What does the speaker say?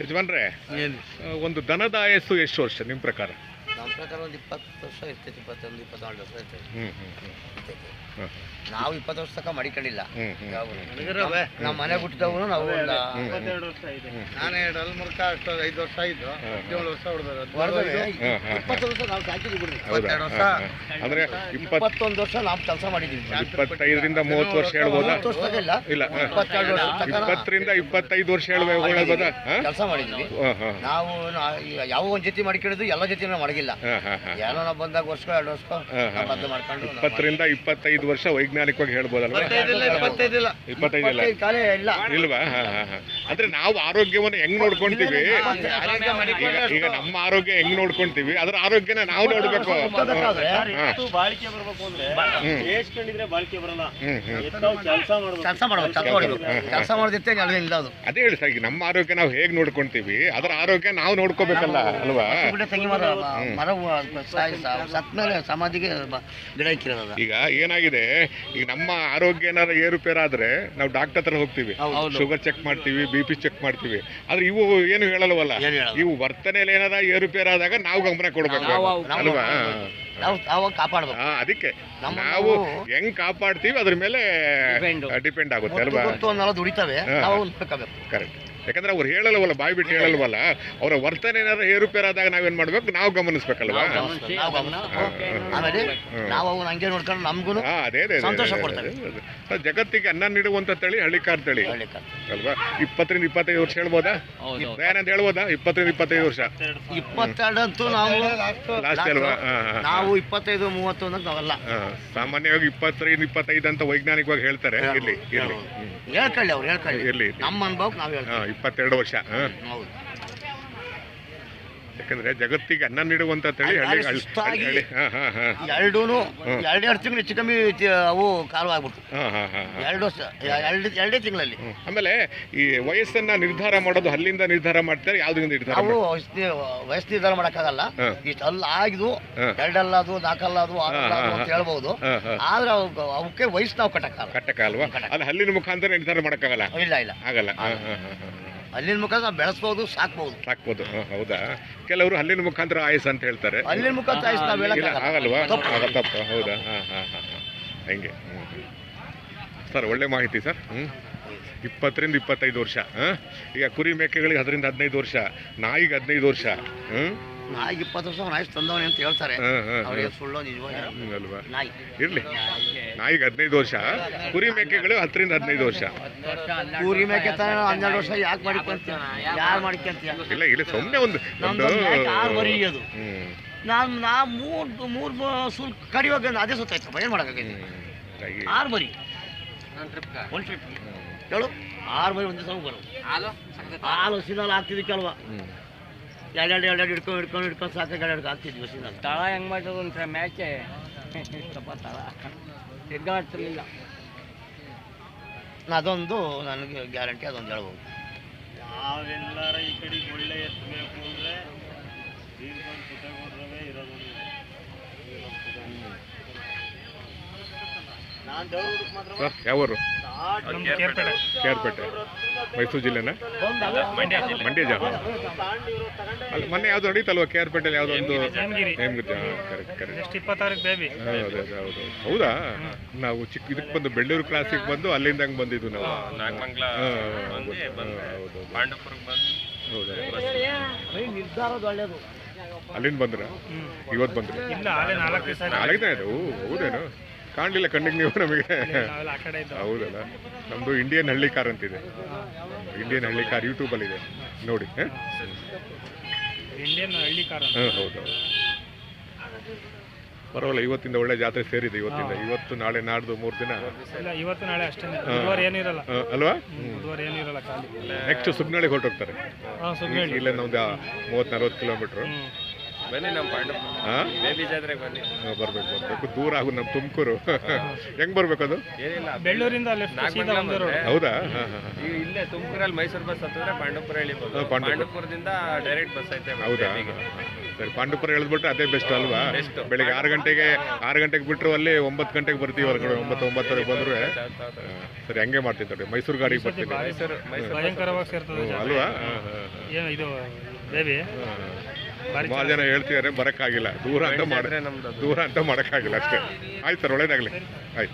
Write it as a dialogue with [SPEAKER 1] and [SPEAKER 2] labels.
[SPEAKER 1] ಯಜಮಾನ್ರೆ, ಒಂದು ದನದ ಆಯಸ್ಸು ಎಷ್ಟು ವರ್ಷ ನಿಮ್ಮ ಪ್ರಕಾರ?
[SPEAKER 2] ನಮ್ಮ ಪ್ರಕಾರ ಒಂದು 20 ವರ್ಷ ಇರ್ತೈತಿ, 21, 24 ವರ್ಷ ಇರ್ತೈತಿ.
[SPEAKER 1] ಹ್ಮ್.
[SPEAKER 2] ನಾವು 20 ವರ್ಷ ತನಕ ಮಡಿಕೊಂಡಿಲ್ಲ.
[SPEAKER 1] ಹ್ಮ್.
[SPEAKER 2] ನಮ್ಮ ಮನೆ ಬಿಟ್ಟಿದ್ದವನು ನಾವು
[SPEAKER 3] 22 ವರ್ಷ ಇದೆ.
[SPEAKER 2] ನಾನು 5 ವರ್ಷ ಇದ್ದು 17 ವರ್ಷ ಹೊಡೆದ್ರು. 20 ವರ್ಷ ನಾವು ಸಾಕಿದ್ವಿ ಬಿಡ್ರಿ. 22 ವರ್ಷ
[SPEAKER 1] ಅಂದ್ರೆ
[SPEAKER 2] 21 ವರ್ಷ ನಾವು ಕೆಲಸ ಮಾಡಿದ್ದೀವಿ.
[SPEAKER 1] 25ರಿಂದ 30 ವರ್ಷ ಹೇಳ್ಬೋದಾ?
[SPEAKER 2] 30 ವರ್ಷ ಇಲ್ಲ,
[SPEAKER 1] ಇಲ್ಲ
[SPEAKER 2] 22 ವರ್ಷ ತನಕ
[SPEAKER 1] 20ರಿಂದ 25 ವರ್ಷ ಹೇಳ್ಬೋದಾ?
[SPEAKER 2] ಕೆಲಸ ಮಾಡಿದ್ವಿ. ನಾವು ಯಾವ ಒಂದ್ ಜೊತೆ ಮಾಡ್ಕೊಂಡಿದ್ದು ಎಲ್ಲ ಜೊತೆ ಮಡಗಿಲ್ಲ. ಏನೋ ನಾವು ಬಂದಾಗ ವರ್ಷ 2 ವರ್ಷ ಬದಲು ಮಾಡ್ಕೊಂಡು
[SPEAKER 1] 20ರಿಂದ 25 ವರ್ಷ ವೈಜ್ಞಾನಿಕವಾಗಿ ಹೇಳ್ಬೋದಲ್ವಾ?
[SPEAKER 2] 25 ಇಲ್ಲ
[SPEAKER 1] 25 ಕಾಲೇ ಇಲ್ಲ ಇಲ್ವಾ? ಅಂದ್ರೆ ನಾವು ಆರೋಗ್ಯವನ್ನು ಹೆಂಗ್ ನೋಡ್ಕೊಂತೀವಿ, ಈಗ ನಮ್ಮ ಆರೋಗ್ಯ ಹೆಂಗ್ ನೋಡ್ಕೊಂತೀವಿ ಅದ್ರ ಆರೋಗ್ಯನ ನಾವು ನೋಡ್ಬೇಕು.
[SPEAKER 3] ಬಾಳಿಕೆ ಬರ್ಬೇಕು ಅಂದ್ರೆ ಬೇಸ್ಕೊಂಡಿದ್ರೆ ಬಾಳಿಕೆ ಬರಲ್ಲ.
[SPEAKER 2] ಕೆಲಸ ಮಾಡೋದಿತ್ತೆ ಇಲ್ಲ. ಅದು
[SPEAKER 1] ಅದೇ ಹೇಳಿ ಸರ್, ಈಗ ನಮ್ಮ ಆರೋಗ್ಯ ನಾವು ಹೇಗ್ ನೋಡ್ಕೊಂತೀವಿ ಅದ್ರ ಆರೋಗ್ಯ ನಾವು ನೋಡ್ಕೋಬೇಕಲ್ಲ ಅಲ್ವಾ?
[SPEAKER 2] ಸತ್ ಮೇಲೆ ಸಮಾಧಿಗೆ ಗಿಡ ಇಕ್ಕಿರೋದ.
[SPEAKER 1] ಈಗ ಏನಾಗಿದೆ, ಈಗ ನಮ್ಮ ಆರೋಗ್ಯ ಏನಾದ್ರು ಏರುಪೇರಾದ್ರೆ ನಾವು ಡಾಕ್ಟರ್ ಹತ್ರ ಹೋಗ್ತೀವಿ, ಶುಗರ್ ಚೆಕ್ ಮಾಡ್ತೀವಿ, BP ಚೆಕ್ ಮಾಡ್ತೀವಿ. ಆದ್ರೆ ಇವು ಏನು ಹೇಳಲ್ವಲ್ಲ, ಇವು ವರ್ತನೆಯಲ್ಲಿ ಏನಾರ ಏರುಪೇರಾದಾಗ ನಾವು ಗಮನ ಕೊಡ್ಬೇಕು ಅಲ್ವಾ?
[SPEAKER 2] ನಾವು ಕಾಪಾಡ್ಬೇಕು.
[SPEAKER 1] ಅದಕ್ಕೆ ನಾವು ಹೆಂಗ್ ಕಾಪಾಡ್ತೀವಿ ಅದ್ರ ಮೇಲೆ ಡಿಪೆಂಡ್ ಆಗುತ್ತೆ ಅಲ್ವಾ?
[SPEAKER 2] ದುಡಿತವೆ.
[SPEAKER 1] ಕರೆಕ್ಟ್. ಯಾಕಂದ್ರೆ ಅವ್ರು ಹೇಳಲ್ವಲ್ಲ, ಬಾಯಿ ಬಿಟ್ಟು ಹೇಳಲ್ವಲ್ಲ, ಅವರ ವರ್ತನೆ ಏನಾದ್ರು ಏರುಪೇರಾದಾಗ ನಾವೇನ್ ಮಾಡ್ಬೇಕು, ನಾವು ಗಮನಿಸ್ಬೇಕಲ್ವಾ?
[SPEAKER 2] ಆಮೇಲೆ ನಾವು ಅವನ್ನ ಹಂಗೆ ನೋಡ್ಕೊಂಡು ನಮ್ಗೂ
[SPEAKER 1] ಅದೇ
[SPEAKER 2] ಸಂತೋಷ ಕೊಡ್ತಾರೆ.
[SPEAKER 1] ಜಗತ್ತಿಗೆ ಅನ್ನ ನೀಡುವಂತ ತಳಿ ಹಳ್ಳಿಕಾರ್ ತಳಿ ಅಲ್ವಾ? 20ರಿಂದ 25 ವರ್ಷ ಹೇಳ್ಬೋದಾ? ಏನಂತ ಹೇಳ್ಬೋದಾ? 20ರಿಂದ 25 ವರ್ಷ.
[SPEAKER 2] 22 ಅಂತೂ ನಾವು
[SPEAKER 1] ಲಾಸ್ಟ್ ಅಲ್ವಾ?
[SPEAKER 2] ನಾವು 25, 31 ನಾವೆಲ್ಲ
[SPEAKER 1] ಸಾಮಾನ್ಯವಾಗಿ 20ರಿಂದ 25 ಅಂತ ವೈಜ್ಞಾನಿಕವಾಗಿ ಹೇಳ್ತಾರೆ. ಇರ್ಲಿ ಇರ್ಲಿ
[SPEAKER 2] ಹೇಳ್ಕೊಳ್ಳಿ, ಅವ್ರು ಹೇಳ್ಕೊಳ್ಳಿ.
[SPEAKER 1] ಇರ್ಲಿ,
[SPEAKER 2] ನಮ್ಮ ಅನುಭವಕ್ಕೆ ನಾವು ಹೇಳ್ತೀವಿ
[SPEAKER 1] 22 ವರ್ಷ. ಯಾಕಂದ್ರೆ ಜಗತ್ತಿಗೆ ಅನ್ನ ನೀಡುವಂತ ತಳಿ ಹಳ್ಳಿ
[SPEAKER 2] ಎರಡೂ 2 ತಿಂಗಳು ಹೆಚ್ಚು ಕಮ್ಮಿ ಅವು ಕಾಲು ಆಗ್ಬಿಟ್ಟು 2 ವರ್ಷ 2 ತಿಂಗಳಲ್ಲಿ.
[SPEAKER 1] ಆಮೇಲೆ ಈ ವಯಸ್ಸನ್ನ ನಿರ್ಧಾರ ಮಾಡೋದು ಅಲ್ಲಿಂದ ನಿರ್ಧಾರ ಮಾಡ್ತಾರೆ, ಯಾವ್ದ್ರಿಂದ ನಿರ್ಧಾರ?
[SPEAKER 2] ನಾವು ವಯಸ್ಸು ನಿರ್ಧಾರ ಮಾಡಕ್ಕಾಗಲ್ಲ. ಇಷ್ಟು ಅಲ್ಲ ಆಗಿದ್ವು, 2 ಅಲ್ಲ ಅದು 4 ಅಲ್ಲ ಅದು 6 ಅಲ್ಲ ಅದು ಅಂತ ಹೇಳ್ಬಹುದು. ಆದ್ರೆ ಅವಕ್ಕೆ ವಯಸ್ಸು ನಾವು
[SPEAKER 1] ಕಟ್ಟಕ್ಕಾಗಲ್ವಾ? ಅಲ್ಲಿ ಹಲ್ಲಿನ ಮುಖಾಂತರ ನಿರ್ಧಾರ ಮಾಡಕ್ಕಾಗಲ್ಲ.
[SPEAKER 2] ಇಲ್ಲ ಇಲ್ಲ
[SPEAKER 1] ಆಗಲ್ಲ.
[SPEAKER 2] ಹಲ್ಲಿನ ಮುಖಾಂತರ ನಾವು ಬೆಳೆಸ್ಬೋದು, ಸಾಕ್ಬೋದು.
[SPEAKER 1] ಹೌದಾ? ಕೆಲವರು ಹಲ್ಲಿನ ಮುಖಾಂತರ ಆಯಸ್ ಅಂತ ಹೇಳ್ತಾರೆ.
[SPEAKER 2] ಹಲ್ಲಿನ ಮುಖಾಂತರ ಆಯಸ್ ನಾವು
[SPEAKER 1] ಆಗಲ್ವಾ? ತಪ್ಪು. ಹೌದಾ? ಹಂಗೆ. ಸರ್ ಒಳ್ಳೆ ಮಾಹಿತಿ ಸರ್. 20ರಿಂದ 25 ವರ್ಷ. ಈಗ ಕುರಿ ಮೇಕೆಗಳಿಗೆ 10ರಿಂದ 15 ವರ್ಷ, ನಾಯಿಗೆ 15 ವರ್ಷ.
[SPEAKER 2] ನಾಯಿಗೆ 20 ವರ್ಷ ನಾಯಿ ತಂದವನೇ ಅಂತ ಹೇಳ್ತಾರೆ. ಅವ್ರಿಗೆ ಸುಳ್ಳು ನಿಜವಾಗಿ
[SPEAKER 1] ಅಲ್ವಾ?
[SPEAKER 2] ನಾಯಿ
[SPEAKER 1] ಇರ್ಲಿ, ನಾಯಿಗೆ 15 ವರ್ಷ, ಕುರಿ ಮೇಕೆಗಳು 10ರಿಂದ 15 ವರ್ಷ.
[SPEAKER 2] ಕುರಿ ಮೇಕೆ 12 ವರ್ಷ ಯಾಕೆ ಮಾಡ್ಕೊಂತೀಯ? ಯಾರು ಮಾಡ್ಕೊಂತೀಯ?
[SPEAKER 1] ಇಲ್ಲ ಸುಮ್ಮನೆ ಒಂದು
[SPEAKER 2] ಬರೀಯೋದು. ನಾ ಮೂರು ಸುಲ್ ಕಡಿವಾಗ ಅದೇ ಸುತ್ತಾಯ್ತು. ಏನು ಮಾಡೋಕ್ಕಾಗೈತಿ? 6 ಬರಿ ಒಂದು ಟ್ರಿಪ್ ಹೇಳು. 6 ಬರಿ ಒಂದೇ ಸಲ ಬರೋದು. ಹಾಲು ಸಿನಲ್ ಆಗ್ತಿದ್ವಿ ಕೆಲವ. ಎರಡು ಹಿಡ್ಕೊಂಡು ಸಾಕು ಎರಡು ಆಗ್ತಿದ್ವಿ. ಸಿನಲ್
[SPEAKER 3] ತಳ ಹೆಂಗೆ ಮಾಡ್ತದ ಅಂತ ಮ್ಯಾಚೆ ತಳ ತಿರ್ಗಾಡ್ತಿರ್ಲಿಲ್ಲ.
[SPEAKER 2] ಅದೊಂದು ನನಗೆ ಗ್ಯಾರಂಟಿ, ಅದೊಂದು ಹೇಳ್ಬೋದು.
[SPEAKER 3] ನಾವೆಲ್ಲರ ಈ ಕಡೆಗೆ ಒಳ್ಳೆ ಎತ್ತಬೇಕು ಅಂದರೆ ಸುತ್ತಗೊಡ್ರವೇ ಇರೋದು. ನಾನು ದೇವ್ರಿಗೆ ಮಾತ್ರ.
[SPEAKER 1] ಯಾವರು? ಕೇರ್ಪೇಟೆ, ಮೈಸೂರು ಜಿಲ್ಲೆನ? ಮಂಡ್ಯ ಜಿಲ್ಲೆ. ಅಲ್ಲಿ ಮೊನ್ನೆ ಯಾವ್ದು ನಡೀತಲ್ವ ಕೇರ್ಪೇಟೆಯಲ್ಲಿ, ಯಾವುದೋ ಒಂದು
[SPEAKER 3] ಕರೆಕ್ಟ್ 26 ಬೇಬಿ.
[SPEAKER 1] ಹೌದು. ಹೌದಾ? ನಾವು ಇದಕ್ಕೆ ಬಂದು ಬೆಳ್ಳೂರು ಕ್ಲಾಸಿಗೆ ಬಂದು ಅಲ್ಲಿಂದ ಹಂಗೆ ಬಂದಿದ್ದು ನಾವು.
[SPEAKER 2] ನಿರ್ಧಾರದ ಒಳ್ಳೇದು.
[SPEAKER 1] ಅಲ್ಲಿಂದ ಬಂದ್ರ? ಇವತ್ತು ಬಂದ್ರಿ?
[SPEAKER 3] 4 ದಿವಸ.
[SPEAKER 1] 4 ದಿನ ಆಯ್ತು. ಹೌದೇನು? ಕಾಣಲಿಲ್ಲ ಕಣ್ಣಿಗೆ ನೀವು ನಮಗೆ. ಹೌದಲ್ಲ? ನಮ್ಮದು ಇಂಡಿಯನ್ ಹಳ್ಳಿ ಕಾರ್ ಅಂತಿದೆ. ಇಂಡಿಯನ್ ಹಳ್ಳಿ ಕಾರ್ ಯೂಟ್ಯೂಬಲ್ಲಿದೆ ನೋಡಿ.
[SPEAKER 3] ಇಂಡಿಯನ್ ಹಳ್ಳಿ ಕಾರ್.
[SPEAKER 1] ಹೌದು. ಪರವಾಗಿಲ್ಲ, ಇವತ್ತಿಂದ ಒಳ್ಳೆ ಜಾತ್ರೆ ಸೇರಿದೆ. ಇವತ್ತು ನಾಳೆ ನಾಡ್ದು 3 ದಿನ.
[SPEAKER 3] ಇವತ್ತು ನಾಳೆ ಅಷ್ಟೇ ಏನಿರಲ್ಲ
[SPEAKER 1] ಅಲ್ವಾ?
[SPEAKER 3] ಏನಿರಲ್ಲ.
[SPEAKER 1] ನೆಕ್ಸ್ಟ್ ಸುಗ್ನಳಿಗೆ ಹೊರಟೋಗ್ತಾರೆ. ಇಲ್ಲಿಂದ ಒಂದು 30-40 ಕಿಲೋಮೀಟ್ರು.
[SPEAKER 3] ಬನ್ನಿ ನಮ್ಮ ಪಾಂಡು
[SPEAKER 1] ಹಾಂ
[SPEAKER 3] ಬೇಬಿ ಜಾತ್ರೆಗೆ ಬನ್ನಿ.
[SPEAKER 1] ಬರ್ಬೇಕು ದೂರ ಆಗು ನಮ್ಮ ತುಮಕೂರು ಹೆಂಗ್ ಬರ್ಬೇಕು ಅದು?
[SPEAKER 3] ಏನಿಲ್ಲ
[SPEAKER 4] ಬೆಳ್ಳೂರಿಂದ
[SPEAKER 1] ಹೌದಾ?
[SPEAKER 3] ಈಗ ಇಲ್ಲೇ ತುಮಕೂರಲ್ಲಿ ಮೈಸೂರು ಬಸ್ ಹತ್ತಿದ್ರೆ ಪಾಂಡುಪುರ ಇಳಿಬೋದು. ಪಾಂಡುಪುರದಿಂದ ಡೈರೆಕ್ಟ್ ಬಸ್ ಐತೆ.
[SPEAKER 1] ಹೌದಾ? ಸರಿ, ಪಾಂಡುಪುರ ಎಳೆದ್ಬಿಟ್ರೆ ಅದೇ ಬೆಸ್ಟ್ ಅಲ್ವಾ? ಬೆಳಿಗ್ಗೆ 6 ಗಂಟೆಗೆ ಬಿಟ್ಟರು ಅಲ್ಲಿ 9 ಗಂಟೆಗೆ ಬರ್ತೀವಿ ಹೊರಗಡೆ. 9:30 ಬಂದ್ರೆ ಸರಿ, ಹಂಗೆ ಮಾಡ್ತೀನಿ ನೋಡಿ. ಮೈಸೂರು ಗಾಡಿಗೆ ಬರ್ತೀನಿ
[SPEAKER 4] ಭಯಂಕರವಾಗಿ ಸೇರ್ತದೆ
[SPEAKER 1] ಅಲ್ವಾ?
[SPEAKER 4] ಏನು ಇದು ಬೇಬಿ
[SPEAKER 1] ಸುಮಾರು ಜನ ಹೇಳ್ತಿದ್ದಾರೆ, ಬರೋಕ್ಕಾಗಿಲ್ಲ. ದೂರ ಅಂತ ಮಾಡೋಕ್ಕಾಗಿಲ್ಲ ಅಷ್ಟೇ. ಆಯ್ತು ಸರ್, ಒಳ್ಳೇದಾಗಲಿ. ಆಯ್ತು.